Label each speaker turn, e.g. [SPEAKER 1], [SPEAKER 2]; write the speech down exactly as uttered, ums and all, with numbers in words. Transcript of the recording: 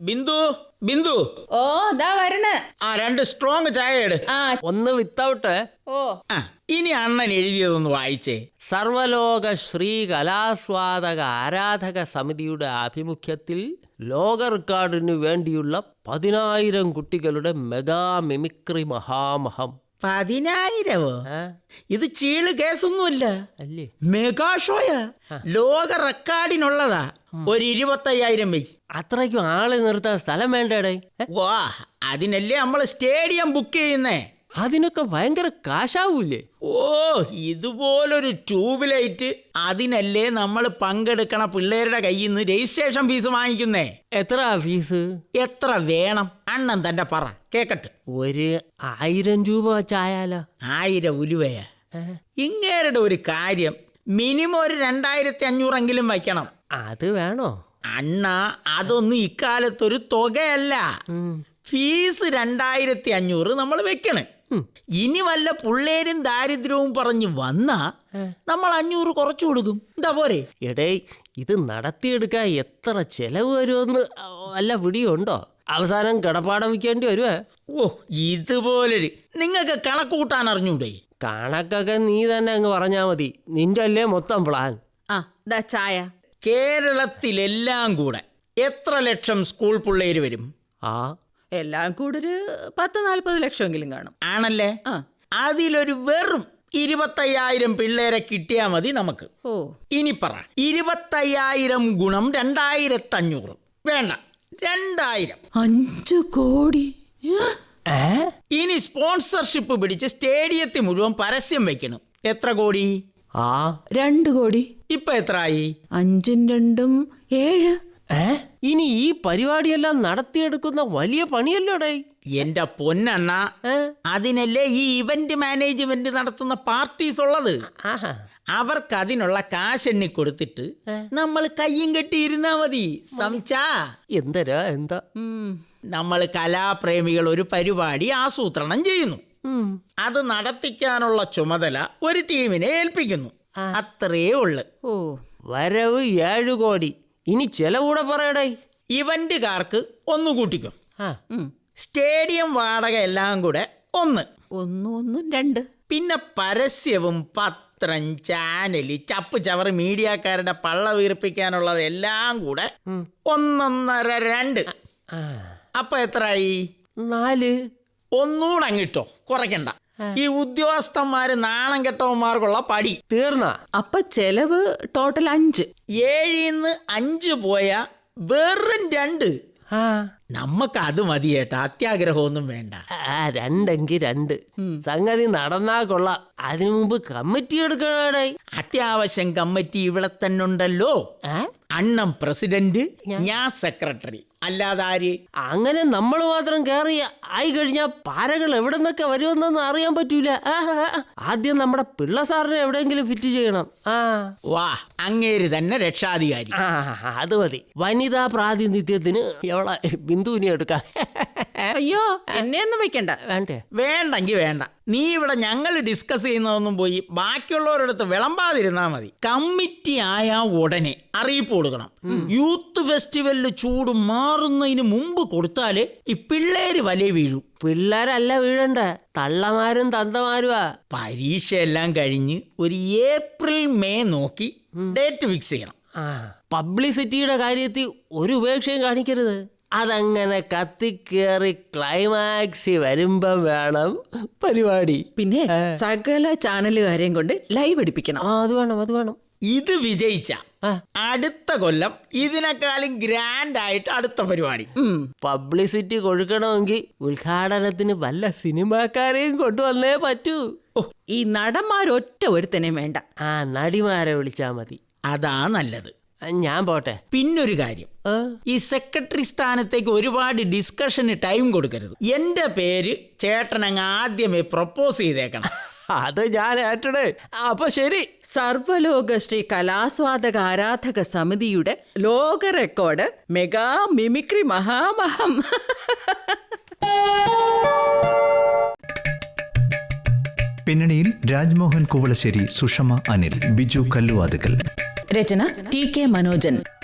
[SPEAKER 1] ബിന്ദു ബിന്ദു
[SPEAKER 2] ഓ ദാ വരണ.
[SPEAKER 1] ആ രണ്ട് സ്ട്രോങ് ചായ എടു.
[SPEAKER 2] ആ
[SPEAKER 3] ഒന്ന് വിത്തൗട്ട്.
[SPEAKER 2] ഓ
[SPEAKER 1] ആ ഇനി അണ്ണൻ എഴുതിയതൊന്ന് വായിച്ചേ.
[SPEAKER 3] സർവലോക ശ്രീ കലാസ്വാദക ആരാധക സമിതിയുടെ ആഭിമുഖ്യത്തിൽ ലോക റെക്കോർഡിനു വേണ്ടിയുള്ള പതിനായിരം കുട്ടികളുടെ മെഗാ മിമിക്രി മഹാമഹം.
[SPEAKER 1] പതിനായിരവോ? ഇത് ചീള് കേസൊന്നുമല്ല,
[SPEAKER 3] അല്ലേ?
[SPEAKER 1] മെഗാ ഷോയാ, ലോക റെക്കോർഡിനുള്ളതാ. ഒരു ഇരുപത്തയ്യായിരം വെയ്.
[SPEAKER 3] അത്രയ്ക്കും ആളെ നിർത്താൻ സ്ഥലം വേണ്ടേ?
[SPEAKER 1] വാ, അതിനല്ലേ നമ്മൾ സ്റ്റേഡിയം ബുക്ക് ചെയ്യുന്നേ.
[SPEAKER 3] അതിനൊക്കെ ഭയങ്കര കാശാവൂലേ?
[SPEAKER 1] ഓ, ഇതുപോലൊരു ട്യൂബ് ലൈറ്റ് അതിനല്ലേ നമ്മൾ പങ്കെടുക്കണ പിള്ളേരുടെ കയ്യിൽ നിന്ന് രജിസ്ട്രേഷൻ ഫീസ് വാങ്ങിക്കുന്നേ.
[SPEAKER 3] എത്ര ഫീസ്?
[SPEAKER 1] എത്ര വേണം അണ്ണൻ തന്നെ പറ, കേക്കട്ടെ.
[SPEAKER 3] ഒരു ആയിരം രൂപ വെച്ചായാലോ?
[SPEAKER 1] ആയിരം ഉലുവയാ? ഇങ്ങേരുടെ ഒരു കാര്യം, മിനിമം ഒരു രണ്ടായിരത്തി അഞ്ഞൂറെങ്കിലും വയ്ക്കണം.
[SPEAKER 3] അത് വേണോ
[SPEAKER 1] അണ്ണ? അതൊന്നും ഇക്കാലത്തൊരു തുകയല്ല. ഫീസ് രണ്ടായിരത്തി അഞ്ഞൂറ് നമ്മൾ വെക്കണേ. ഇനി വല്ല പിള്ളേരും ദാരിദ്ര്യവും പറഞ്ഞു വന്നാ നമ്മൾ അഞ്ഞൂറ് കുറച്ചു കൊടുക്കും. എന്താ പോരെ?
[SPEAKER 3] എടേ, ഇത് നടത്തിയെടുക്കാൻ എത്ര ചെലവ് വരുമെന്ന് വല്ല പിടിയുണ്ടോ? അവസാനം കിടപ്പാടം വയ്ക്കേണ്ടി വരുവേ.
[SPEAKER 1] ഓ, ഇതുപോലൊരു നിങ്ങൾക്ക് കണക്ക് കൂട്ടാൻ അറിഞ്ഞൂടെ?
[SPEAKER 3] കണക്കൊക്കെ നീ തന്നെ അങ്ങ് പറഞ്ഞാ മതി. നിന്റെ അല്ലേ മൊത്തം പ്ലാൻ.
[SPEAKER 2] ആ ദാ ചായ.
[SPEAKER 1] കേരളത്തിലെല്ലാം കൂടെ എത്ര ലക്ഷം സ്കൂൾ പിള്ളേര് വരും?
[SPEAKER 3] ആ
[SPEAKER 2] എല്ലാം കൂടെ ഒരു പത്ത് നാല്പത് ലക്ഷമെങ്കിലും കാണും.
[SPEAKER 1] ആണല്ലേ?
[SPEAKER 2] ആ
[SPEAKER 1] അതിലൊരു വെറും ഇരുപത്തയ്യായിരം പിള്ളേരെ കിട്ടിയാൽ മതി നമുക്ക്.
[SPEAKER 2] ഓ
[SPEAKER 1] ഇനി പറ, ഇരുപത്തയ്യായിരം ഗുണം രണ്ടായിരത്തി അഞ്ഞൂറ് വേണ്ട, രണ്ടായിരം.
[SPEAKER 2] അഞ്ചു കോടി.
[SPEAKER 1] ഇനി സ്പോൺസർഷിപ്പ് പിടിച്ച് സ്റ്റേഡിയത്തിൽ മുഴുവൻ പരസ്യം വെക്കണം. എത്ര കോടി?
[SPEAKER 3] ആ
[SPEAKER 2] രണ്ട് കോടി.
[SPEAKER 1] ഇപ്പൊ എത്രയായി?
[SPEAKER 2] അഞ്ചും രണ്ടും ഏഴ്.
[SPEAKER 3] ഏ ഇനി ഈ പരിപാടിയെല്ലാം നടത്തിയെടുക്കുന്ന വലിയ പണിയല്ലോടേ.
[SPEAKER 1] എന്റെ പൊന്നണ്ണ, അതിനല്ലേ ഈ ഇവന്റ് മാനേജ്മെന്റ് നടത്തുന്ന പാർട്ടീസ് ഉള്ളത്. അവർക്ക് അതിനുള്ള കാശെണ്ണി കൊടുത്തിട്ട് നമ്മൾ കയ്യും കെട്ടിയിരുന്നാ മതി. സംസാ
[SPEAKER 3] എന്തരാ എന്താ?
[SPEAKER 1] നമ്മൾ കലാപ്രേമികൾ ഒരു പരിപാടി ആസൂത്രണം ചെയ്യുന്നു. അത് നടത്തിക്കാനുള്ള ചുമതല ഒരു ടീമിനെ ഏൽപ്പിക്കുന്നു. അത്രേ ഉള്ളു.
[SPEAKER 2] ഓ
[SPEAKER 3] വരവ് ഏഴു കോടി. ഇനി ചെലവൂടെ പറയടേ.
[SPEAKER 1] ഇവന്റുകാർക്ക് ഒന്ന് കൂട്ടിക്കും. സ്റ്റേഡിയം വാടക എല്ലാം കൂടെ ഒന്ന്
[SPEAKER 2] ഒന്നും ഒന്നും രണ്ട്.
[SPEAKER 1] പിന്നെ പരസ്യവും പത്രം, ചാനല്, ചപ്പ് ചവറ് മീഡിയക്കാരുടെ പള്ള വീർപ്പിക്കാനുള്ളത് എല്ലാം കൂടെ ഒന്നൊന്നര രണ്ട്. അപ്പൊ എത്രയായി?
[SPEAKER 3] നാല്.
[SPEAKER 1] ഒന്നുകൂടെ അങ്ങിട്ടോ, കുറയ്ക്കണ്ട. ഈ ഉദ്യോഗസ്ഥന്മാര് നാണം കെട്ടവന്മാർക്കുള്ള പടി
[SPEAKER 3] തീർന്ന.
[SPEAKER 2] അപ്പൊ ചെലവ് ടോട്ടൽ അഞ്ച്.
[SPEAKER 1] ഏഴിന്ന് അഞ്ച് പോയാ വെറും രണ്ട്. നമ്മക്ക് അത് മതി ചേട്ടാ, അത്യാഗ്രഹമൊന്നും വേണ്ട.
[SPEAKER 3] ആ രണ്ടെങ്കി രണ്ട്. സംഗതി നടന്നാ കൊള്ളാം. അതിനു മുമ്പ് കമ്മിറ്റി എടുക്കണേ.
[SPEAKER 1] അത്യാവശ്യം കമ്മിറ്റി ഇവിടെ തന്നെ ഉണ്ടല്ലോ. അണ്ണം പ്രസിഡന്റ്, ഞാൻ സെക്രട്ടറി, അല്ലാതെ ആര്?
[SPEAKER 3] അങ്ങനെ നമ്മൾ മാത്രം കയറി ആയി കഴിഞ്ഞാൽ പാരകൾ എവിടെ നിന്നൊക്കെ വരുമെന്നൊന്നും അറിയാൻ പറ്റൂല. ആദ്യം നമ്മുടെ പിള്ള സാറിനെ എവിടെയെങ്കിലും ഫിറ്റ് ചെയ്യണം. ആ
[SPEAKER 1] വാ, അങ്ങേര് തന്നെ രക്ഷാധികാരി.
[SPEAKER 3] ആ അത് മതി. വനിതാ പ്രാതിനിധ്യത്തിന് എവളെ ബിന്ദുവിനെ എടുക്കാം.
[SPEAKER 2] അയ്യോ, എന്നെ ഒന്നും വെക്കണ്ട.
[SPEAKER 3] വേണ്ടേ?
[SPEAKER 1] വേണ്ടെങ്കി വേണ്ട. നീ ഇവിടെ ഞങ്ങൾ ഡിസ്കസ് ചെയ്യുന്നതൊന്നും പോയി ബാക്കിയുള്ളവരടുത്ത് വിളമ്പാതിരുന്നാ മതി. കമ്മിറ്റി ആയ ഉടനെ അറിയിപ്പ് കൊടുക്കണം. യൂത്ത് ഫെസ്റ്റിവലില് ചൂട് മാറുന്നതിന് മുമ്പ് കൊടുത്താല് ഈ പിള്ളേര് വലേ വീഴും.
[SPEAKER 3] പിള്ളേരല്ല വീഴണ്ട, തള്ളമാരും തന്തമാരുവാ.
[SPEAKER 1] പരീക്ഷയെല്ലാം കഴിഞ്ഞ് ഒരു ഏപ്രിൽ മെയ് നോക്കി ഡേറ്റ് ഫിക്സ് ചെയ്യണം.
[SPEAKER 3] ആ പബ്ലിസിറ്റിയുടെ കാര്യത്തിൽ ഒരു ഉപേക്ഷയും കാണിക്കരുത്. അതങ്ങനെ കത്തിക്കേറി ക്ലൈമാക്സ് വരുമ്പം വേണം പരിപാടി.
[SPEAKER 2] പിന്നെ സകല ചാനലുകാരെയും കൊണ്ട് ലൈവ് അടിപ്പിക്കണം.
[SPEAKER 3] ആ അത് വേണം, അത് വേണം.
[SPEAKER 1] ഇത് വിജയിച്ച അടുത്ത കൊല്ലം ഇതിനേക്കാളും ഗ്രാൻഡ് ആയിട്ട് അടുത്ത പരിപാടി.
[SPEAKER 3] പബ്ലിസിറ്റി കൊടുക്കണമെങ്കിൽ ഉദ്ഘാടനത്തിന് വല്ല സിനിമാക്കാരെയും കൊണ്ടുവന്നേ പറ്റൂ.
[SPEAKER 2] ഈ നടന്മാരൊറ്റ ഒരുത്തനെയും വേണ്ട.
[SPEAKER 3] ആ നടിമാരെ വിളിച്ചാ മതി.
[SPEAKER 1] അതാ നല്ലത്.
[SPEAKER 3] ഞാൻ പോട്ടെ.
[SPEAKER 1] പിന്നൊരു കാര്യം, ഈ സെക്രട്ടറി സ്ഥാനത്തേക്ക് ഒരുപാട് ഡിസ്കഷന് ടൈം കൊടുക്കരുത്. എന്റെ പേര് ചേട്ടനങ്ങ് ആദ്യമേ പ്രപ്പോസ് ചെയ്തേക്കണം.
[SPEAKER 3] അത് ഞാൻ ഏറ്റടേ. അപ്പൊ ശരി.
[SPEAKER 2] സർവലോക ശ്രീ കലാസ്വാദക ആരാധക സമിതിയുടെ ലോക റെക്കോർഡ് മെഗാ മിമിക്രി മഹാമഹം.
[SPEAKER 4] പിന്നണിയിൽ രാജ്മോഹൻ കുവളശ്ശേരി, സുഷമ അനിൽ, ബിജു കല്ലുവാതുക്കൽ.
[SPEAKER 2] രചന ടി കെ മനോജൻ.